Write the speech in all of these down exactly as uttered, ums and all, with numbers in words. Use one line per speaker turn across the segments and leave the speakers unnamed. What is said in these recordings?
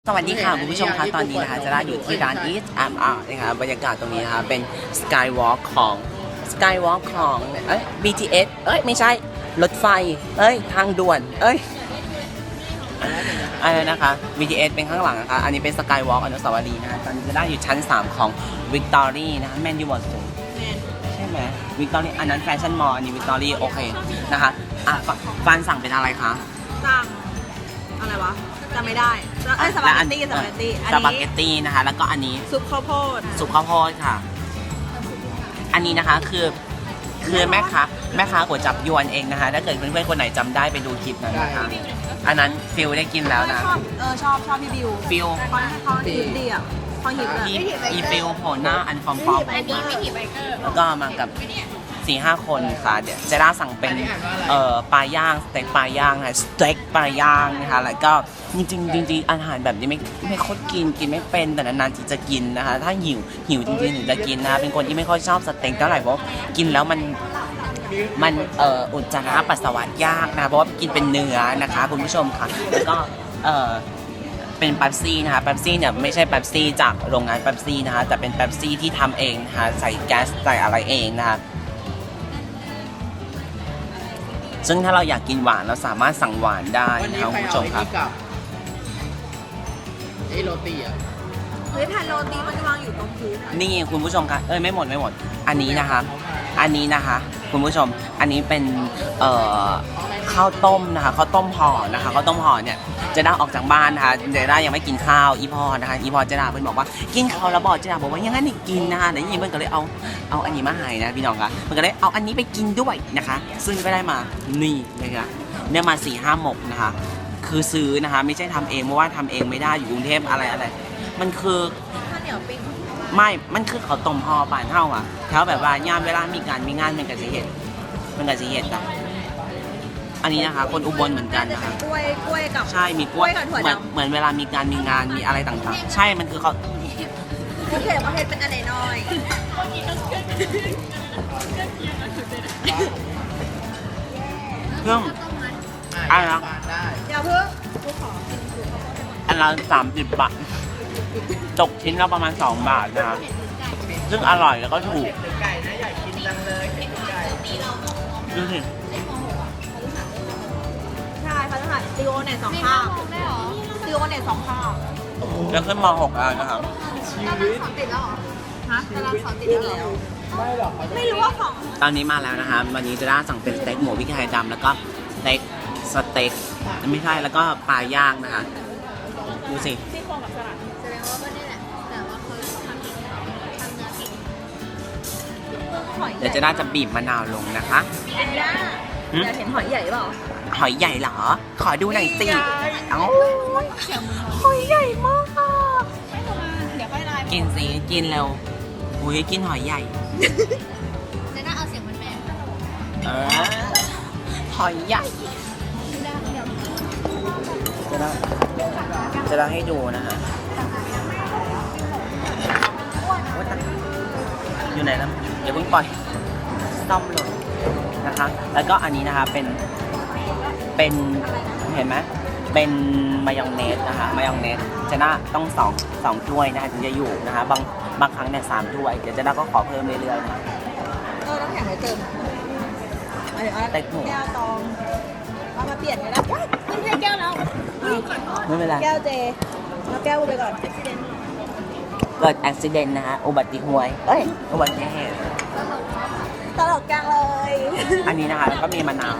สวัสดีค่ะคุณผู้ชมคะตอนนี้นะคะจะได้อยู่ที่ร้าน Eat and Art นะคะบรรยากาศตรงนี้นะคะเป็น Skywalk ของ Skywalk ของเอ้ย บี ที เอส เอ้ยไม่ใช่รถไฟเอ้ยทางด่วนเอ้ยอะไรนะคะ บี ที เอส เป็นข้างหลังนะคะอันนี้เป็น Skywalk อนุสาวรีย์นะคะตอนนี้จะได้อยู่ชั้นสามของ Victory นะคะแมนยูวอร์สูใช่ไหม Victory อันนั้นแฟชั่นมอลล์อันนี้ Victory โอเคนะคะอ่ะฟันสั่งเป็นอะไรคะ
สั่งอะไรวะจำไม่ได้ไอ้สปาเกตตี้สปาเกตตี้
สปาเกตตี้นะคะแล้วก็อันนี้
ซุปข้าวโพด
ซุปข้าวโพดค่ะอันนี้นะคะคือคือแม่ค้าแม่ค้าก๋วยจับยวนเองนะคะถ้าเกิดเพื่อนๆคนไหนจำได้ไปดูคลิปนั้นนะคะอันนั้นฟิลได้กินแล้วนะ
ชอบเออชอบชอบพี่บิว
ฟิล
เขาเขาหิบดีอ่ะเขาหิบเลย
อีฟิลโผล่หน้าอันฟอมฟอมแล้วก็มากับสี่ห้าคนค่ะเดี๋ยวเจด้าสั่งเป็นเอ่อปลาย่างสเต็กปลาย่างนะสเต็กปลาย่างนะคะแล้วก็จริงๆจริงๆอาหารแบบนี้ไม่ไม่ค่อยกินกินไม่เป็นแต่นานๆที่จะกินนะคะถ้าหิวหิวจริงๆถึงจะกินนะคะเป็นคนที่ไม่ค่อยชอบสเต็กเท่าไหร่เพราะกินแล้วมันมันเอ่ออุจจาระปัสสาวะยากนะเพราะว่ากินเป็นเนื้อนะคะคุณผู้ชมค่ะแล้วก็เอ่อเป็นเป๊ปซี่นะคะเป๊ปซี่เนี่ยไม่ใช่เป๊ปซี่จากโรงงานเป๊ปซี่นะคะแต่เป็นเป๊ปซี่ที่ทำเองนะคะใส่แก๊สใส่อะไรเองนะคะซึ่งถ้าเราอยากกินหวานเราสามารถสั่งหวานได้นะครับคุณผู้ชมครับ
ไอ้โรตีอ่ะ
เฮ้ยแผ่นโรตีมันวางอยู่ตรงพื้น
นี่คุณผู้ชมครับเอ้ยไม่หมดไม่หมดอันนี้นะคะอันนี้นะคะคุณผู้ชมอันนี้เป็นเอ่อข้าวต้มนะคะข้าวต้มห่อนะคะข้าวต้มห่อเนี่ยเจด้าออกจากบ้านนะคะเจด้ายังไม่กินข้าวอีพอนะคะอีพอเจด้าเพิ่นบอกว่ากินข้าวแล้วบอกเจด้าบอกว่ายังงั้นนี่กินนะคะแต่ยี่เพิ่นก็เลยเอาเอาอันนี้มาให้นะพี่น้องคะมันก็เลยเอาอันนี้ไปกินด้วยนะคะซึ่งก็ได้มานี่นะคะเนี่ยมาสี่ห้าหมกนะคะคือซื้อนะคะไม่ใช่ทำเองเพราะว่าทำเองไม่ได้อยู่กรุงเทพอะไรอะไรมันคือ
ข้าวเหนียวปิ้ง
ไม่มันคือข้าวต้มห่อป่านเท่าอ่ะแถวแบบว่ายามเวลามีการมีงานมันก็จะเห็ดมันก็จะเห็ดอ่ะอันนี้นะคะคนอุบลเหมือนกันนะคะ
กล้วยกล้วยกับ
ใช่มีกล้วยเหมือนเหมือนเวลามีการมีงานมีอะไรต่างๆใช่มันคือเขา
โอเคประเภทเป็นอะไรน้อย
เครื่องอะไรนะ
อย่าเพิ่ง
อันละสามสิบบาทจกชิ้นละประมาณสองบาทนะคะซึ่งอร่อยแล้วก็ถูกดูสิ
ใช่พัฒนาตีโอเน็ตสองข้าวตีโอเน็ตสองข้าว
จะขึ้นมหกแล้วนะครับ
ชีวิตสอนติดแล้วเหรอฮะกำลังสอนติดแล้วไม่หรอกไม่รู้ว่าของ
ตอนนี้มาแล้วนะคะวันนี้จะได้สั่งเป็นสเต็กหมูพริกไทยดำแล้วก็สเต็กสเต็กไม่ใช่แล้วก็ปลาย่างนะคะดูสิ
ซี่โครงกับสลัดแสดงว่าไม่ได้แหละแต่ว่าเขาทำทำเนื้อเก่ง
เดี๋ยวจะน่าจะบีบมะนาวลงนะคะ
อยากเห็นหอยใหญ่เปล่า
หอยใหญ่เหรอขอดูหน่อยสิเอ้าหอยใหญ่มาก
เดี๋ยวค่อยไลน์
กินสิกินเร็วอุ้ยกินหอยใหญ่
เดี๋ยวน่าเอาเสียงมันแม่
เออหอยใหญ่จะได้จะได้ให้ดูนะฮะอยู่ไหนแล้วอย่าเพิ่งปล่อยซ่อมเลยนะคะแล้วก็อันนี้นะคะเป็นเป็นเห็นไหมเป็นมายองเนสนะคะมายองเนสจะน่าต้องสองสองถ้วยนะคะถึงจะอยู่นะคะบางบางครั้งเนี่ยสามถ้วยเดี๋ยวจะน่าก็ขอเพิ่มเรื่อยๆนะ
เออน้ำแข็งไว้เติม
เต็กหมู
แก้วตองเอามาเปลี่ยนกันแล้วไม่ใช่แก้วแล้ว
ไม่เป็นไร
แก้วเจแล้วแก้วไปก่อน
เกิดอุบัติเหตุนะคะอุบัติเหตุเอ้ยอุบัติเหตุ
ตลกจังเลย
อันนี้นะคะแล้วก็มีมะนาว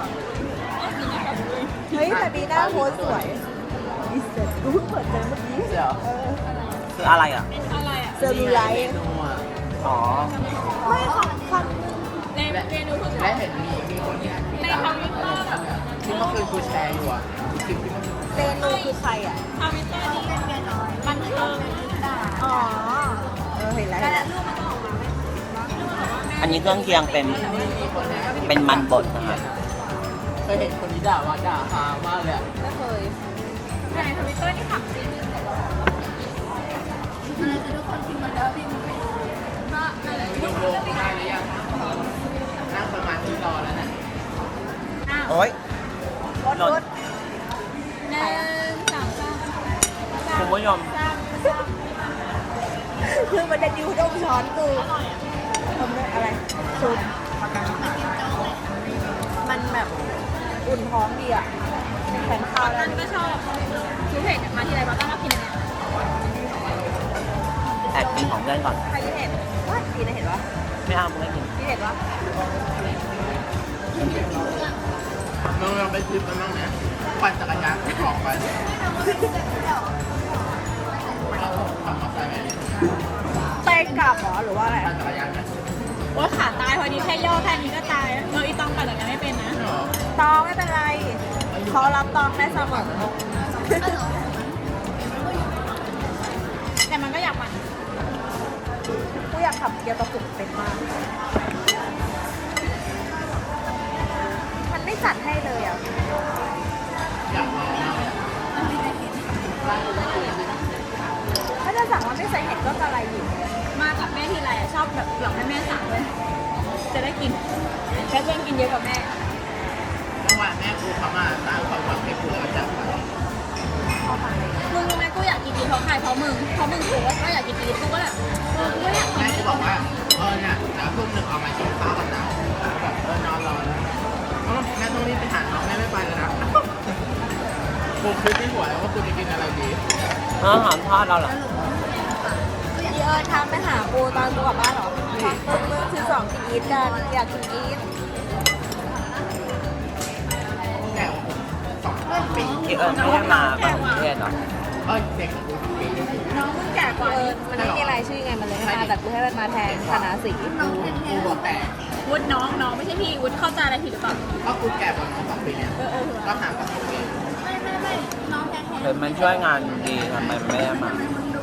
เฮ้ยแต่ปีหน้าโพสสวยดิเซนกูเพิ่งเปิดเจอเมื่อกี้
คืออะไรอ่ะ
เซอร์ลูไลท์
อ๋อ
ไม่ของคำ
ในเมนูทุกอย่างและเห็นมีมีคนที่ในทวิตเตอร์แบบที่เมื่อคืนกูแชร์อยู่อ่ะคลิปที่มัน
เมนูคือใครอ่ะ
ทวิตเตอร์ที่เป็นเมียน้อยมันคือ
อ๋อเออเห็นแล้ว
อันนี้เครื่องเคียงเป็นเป็นมันบดนะคะ
เคยเห็นคนนี้ด่าว่าด่าฮามากเลยอ่ะ
ไม่เคย
ในทวิตเตอร์ที่ขับจริงอะไรคือทุกคนพิมพ์มาแล้วพิมพ์ก็อะไรดูโลกได้หรือยังนั่งประมาณที่รอแล้วนะ
โอ๊ย
รถรถหนึ่งสองสาม
คุณผู้ชม
คือมันจะดิ้วดมช้อนกูทำด้วยอะไรซุปมันแบบอุ่นท้องดีอ่ะแข็งข้าวแล้ว
นั่นก็ชอบคิวเผ็ดมาทีไรบ้างก็มากินอันเนี้ย
แอบกินของเพื่อนก่อน
ใครที่เห็นว่าดีนะเห็นปะ
ไม่เอามึงไม่กิน
ที่เห็นปะ
เราลองไปทริปกันบ้างไหมปั่นจักรยานออกไปเราขับมอเตอร์ไซค์ไหม
ไปกลับเหรอหรือว่าอะไร
ปั่นจักรยานไหม
ว่าขาตายพอดีแค่ย่อแค่นี้ก็ตายเอออีต้องปั่นอย่างนั้นไม่เป็นนะ
เหรอ
ตองไม่เป็นไรเขารับตองได้เสมอ
แต่มันก็อยากปั่น
กูอยากขับเกียร์กระปุกเป็นมาก มันไม่จัดให้เลยอ่ะ
อยากลองมากเลย
ถ้าจะสั่งว่าไม่ใส่เห็ดก็จะอะไรอยู่
มากับแม่ทีไรอะชอบแบบหลอกให้แม่สั่งเลยจะได้กินแค่เพื่อนกินเยอะกว่าแม่
เมื่อวานแม่ครูเขามาสร้างความหวังให้ครูแล้วก็จับไป
มึงรู้ไหมกูอยากกินดีเพราะใครเพราะมึงเพราะมึงถูกว่าก็อยากกินดีกูก็แบบเออกูก็อยากกิน
แม่ครูบอกว่าเออเนี่ยเดี๋ยวทุ่มหนึ่งเอามากินข้าวกันนะแบบเออนอนรอแล้วเออแม่ต้องรีบไปหาน้องแม่ไม่ไปแล้วนะครูคิดที่หัวแล้วว่าครูจะกินอะไรดี
อาหารทอดเราเหรอ
พี่เอิญทำไปหากูตอนกูกลับบ้านเหรอมึงมึงคือสองกินอีทกันอยากกินอีท
แก่สองปี
ที่เอิญไม่ได้มาต่างประเทศเหรอ
เออเด็กกว่ากูปีนึง
น้องมึงแก่กว่าเอิญมันไม่มีรายชื่อไงมันเลยไม่มาแต่กูให้มันมาแทนคณะสี
กูบอกแต่
วุฒน้องน้องไม่ใช่พี่วุฒเข้าใจอะไรผิดหรือเปล่า
ก็กูแก่กว่าน้องสองปีเนี่ย
เออเออ
ก็ห่างกันสองปี
ไม่ไม่ไม่น้องแท้
เห็นมันช่วยงานดีทำไมไม่ได้มา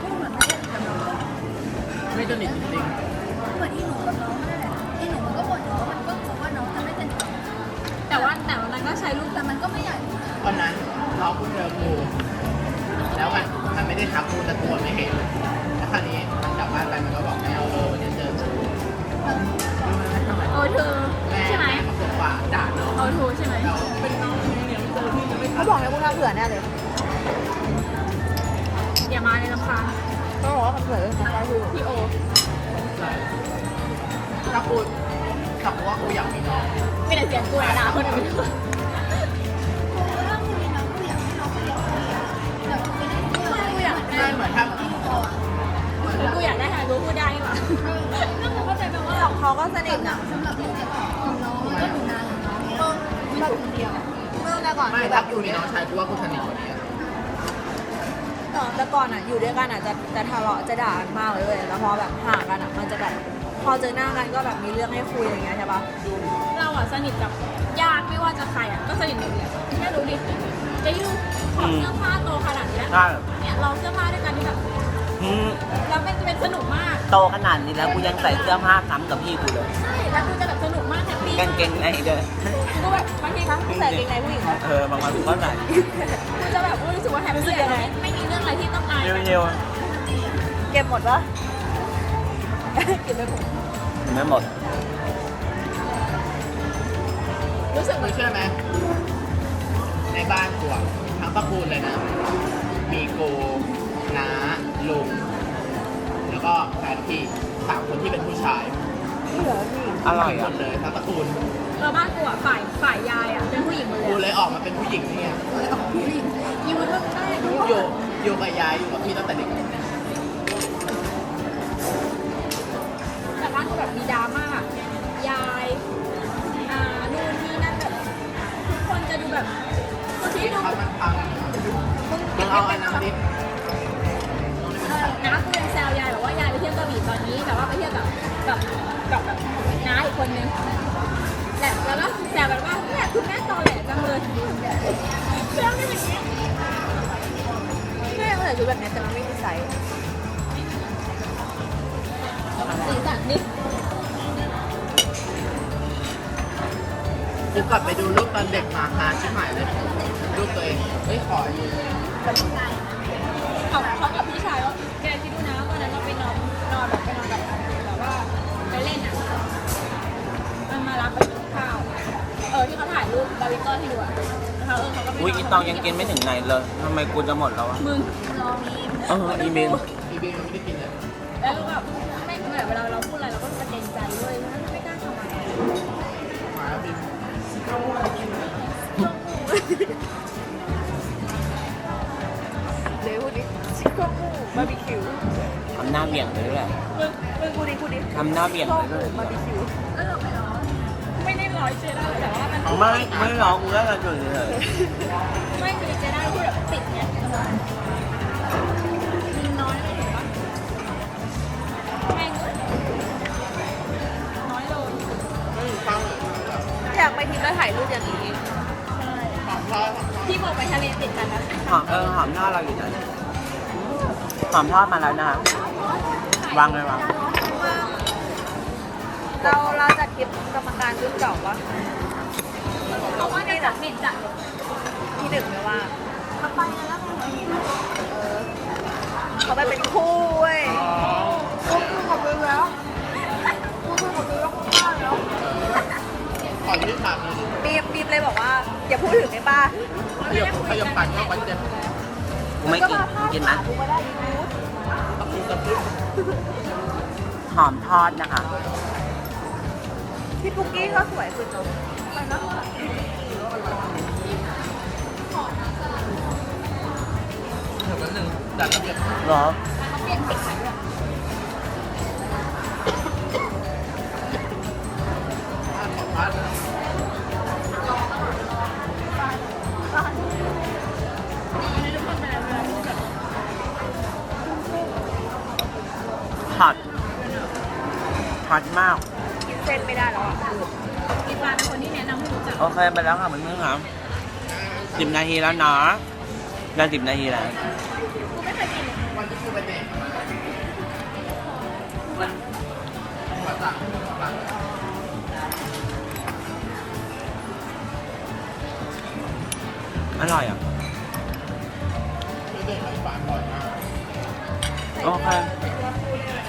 ไม่สนิทจริง
เหมือนที่หนูกับน้องนั่นแหละที่หนูมันก็บ่นอยู่ว่ามันก็บอกว่าน้องจะไม่สนิท
ๆแต่ว่าแต่วันนั้นก็ใช้รูป
แต่มันก็ไม่ใหญ่
ๆวันนั้นน้องกูเจอกูแล้วมันมันไม่ได้ทักกูแต่ตัวไม่เห็นแล้วคราวนี้มันกลับบ้านไปมันก็บอกแม่เออวันนี้เจอกู
โอทู
แม่
ใช่ไหม
แม่มาบอกว่าด่าน้อง
โอทูใช่ไหม
เราเป็นน้องเนี่ยเจอพี่จะไม่
เขาบอกให้กูทำเผื่อแน่เลย
อย่ามาในลำพาง
เขาบอกว่าทำเผื่อเรื่องของเราคือ
พี่โอ
ถ้ากูถ้ากูว่ากูอยากมีน้อง
ไม่ได้เสียงกูอะด่าคนอื่น
ถ้าคุณมีน้องกูอยากให้น้องไปเรียนแบบคุณไปเล่นเที่ยว
กูอยาก
ใช่
ได้
เหมือนถ้า
กูอยากได้ทำไมกูพูดได้นี่หว่าแล้วกูเข้าใจไหมว่า
สองเขาก็สนิทนะ
สำหรับเด็กเด็กของน้องก็อยู่นานอย่างน้องเนี่ย
แบบเดียวเมื่อแต่ก่อน
ไม่
คือแบ
ถ้า
บ
กูมีน้องชายกูว่ากูสนิทกว่านี้อะ
เออแต่ก่อนอ่ะอยู่ด้วยกันอ่ะจะจะทะเลาะจะด่ากันมากเลยเว้ยแล้วพอแบบห่างกันอ่ะมันจะแบบพอเจอหน้ากันก็แบบมีเรื่องให้คุยอะไรเงี้ยใช่ปะ
เราอะสนิทกับญาติไม่ว่าจะใครอะก็สนิทหมดเลยแค่รู้ดิจะยูถอดเสื้อผ้าโตขนาดเนี้ย
ใช่
เนี่ยเราเสื้อผ้าด้วยกันที่แบบ
อืม
แล้วมันจะเป็นสนุกมาก
โตขนาดนี้แล้วกูยังใส่เสื้อผ้าซ้ำกับพี่กูเลย
ใช่แล้วกูจะแบบสนุกมากแฮปปี้
กางเกงในเด้อ
กูแบบบางที
ทั้งใส่กางเกงในผู้หญิงเหรอ
เออบางวันกูก็ใส่
กูจะแบบรู้สึกว่าแฮปปี้อะไม่ไม่มีเรื่องอะไรที่ต้องอาย
เร็ว
เก็บหมดปะ เก็บไปหมด
ๆไม่หมด
รู้สึก
มึงเชื่อไหมในบ้านกูอะทั้งตระกูลเลยนะ มีกูน้าลุงแล้วก็แฟนพี่สามคนที่เป็นผู้ชาย
เหลือพี่
อร่อย
หม
อ่ะ
ดเลยทั้งตระกูล
เราบ้านกูอะฝ่ายฝ่ายยายอะเป็นผู้หญิงหมดเล
กู
ย
เลยออกมาเป็นผู้หญิงนี่ไง
ยูมันก็ได้
อยู่อยู่กับยายอยู่กับพี่ตั้งแต่เด็ก
แต่บ้านกูแบบมีดราม่ายายอ่านู่นนี่นั่นแบบทุกคนจะดูแบบคนที่ดู
เขามันพัง
มึง
มึงเอาอันนั้นมาดิ
เออน้ากูยังแซวยายบอกว่ายายไปเที่ยวกระบี่ตอนนี้แบบว่าไปเที่ยวกับกับกับแบบน้าอีกคนนึงและแล้วก็แซวแบบว่าเนี่ยคุณแม่ตอแหลจังเลยแล้วไม่อย่างเงี้ย
แม่ก็ใส่ชุดแบบนี้แต่มันไม่มีไซส์
สีสันนี่
กูกลับไปดูรูปตอนเด็กมาหาชิบหายเลย รูปตัวเอง เฮ้ย ขอยืม
เขาเขากับพี่ชายว่าแกคิดดูนะวันนั้นเราไปนอนนอนแบบไปนอนกับแบบว่าไปเล่นอ่ะมันมารับไปกินข้าวเออที่เขาถ่ายรูปดาวิดเตอร์ให้ดูอ่ะแล้วเขาเออเขาก็ไปน
อุ้ย
อน
อีตองยังกินไม่ถึงไหนเลยทำไมกูจะหมดแล้วอ่ะ
มึง
รอมี
เอออีเมล
อีบีมันไม่ได้กินเลย
แล้วรู้แบบไม่เหมือนเวลาเราพูดอะไรเราก็จะเกรงใจด้วยไม่กล้าทำอะไร
มาแล้วบิน
เดี๋ยวพูดดิชิคโก้หมูบาร์บีคิว
ทำหน้าเบี่ยงไปด้วย
มึงมึงพูดดิพูดดิ
ทำหน้าเบี่ยง
ชิค
ไป
โก้ห
ด้
มู
วย
บาร์บีคิว
เออไม่ร้อนไม่ได้ร้อยเจได้แต่ว่ามัน
ไม่ไม่ร้องกูก็กระจุยเลย
ไม่คือเจได้ที่แบบติดไงมีน้อยเลยเห็นปะแม่งเลยน้อยลง
ไม่มีข้าวเลย
อยากไปทีมแล้วถ่ายรูปอย่างนี้
หอมข้าว
ที่บอกไปทะเลติดกันนะ
หอมเออหอมหน้าเราอยู่นะหอมทอดมาแล้วนะวางเลยวาง
เราเราจัดคลิปกรรมการรุ่นเก่าปะ
เพราะว่าในจากเม็ดจัด
ที่หนึ่งไม่ว่า
เขาไปแล้วก็หัวหิน
เขาไปเป็นคู่เว้ยคู่คู่กับมึงแล้วคู่คู่กับมึงแล้วคู่บ้านแล้ว
ขอยืดปากเลย
บีมบีมเลยบอกว่าอย่าพูดถึงไอ้ป้า
ขยับขยับปากเข้าไปเจ็บ
กูไม่กินมึงกินไหม
กูก็ได้อีกู
ตะคุตะคุ
หอมทอดนะคะ
พี่ปุ๊กกี้ก็สวยขึ้นเนอะไปนะ
เดี๋ยวแป๊บนึงจัดระเบียบ
เหรอ
เขาเปลี่ยนสีขายด้วย
ผ้าขอผ้าเลย
ไม่รู้คนเป็นอะไรเวลาพูดแบบ
ฮอตฮอตมาก
กินเส้นไม่ได้แล้วอ่ะ
มีปลาเป็นคนที่แนะนำให้รู้จัก
โอเคไปแล้วค่ะเพื่อนๆครับสิบนาทีแล้วเนาะได้สิบนาทีแล้ว
กูไม่เคยกิน
วันที่กูไปแดกมาขอสั่งสั่ง
อร่อยอ่ะ
ช่วยเด็กมาฝากก่อนนะ
โอเค
ใส่เกลือ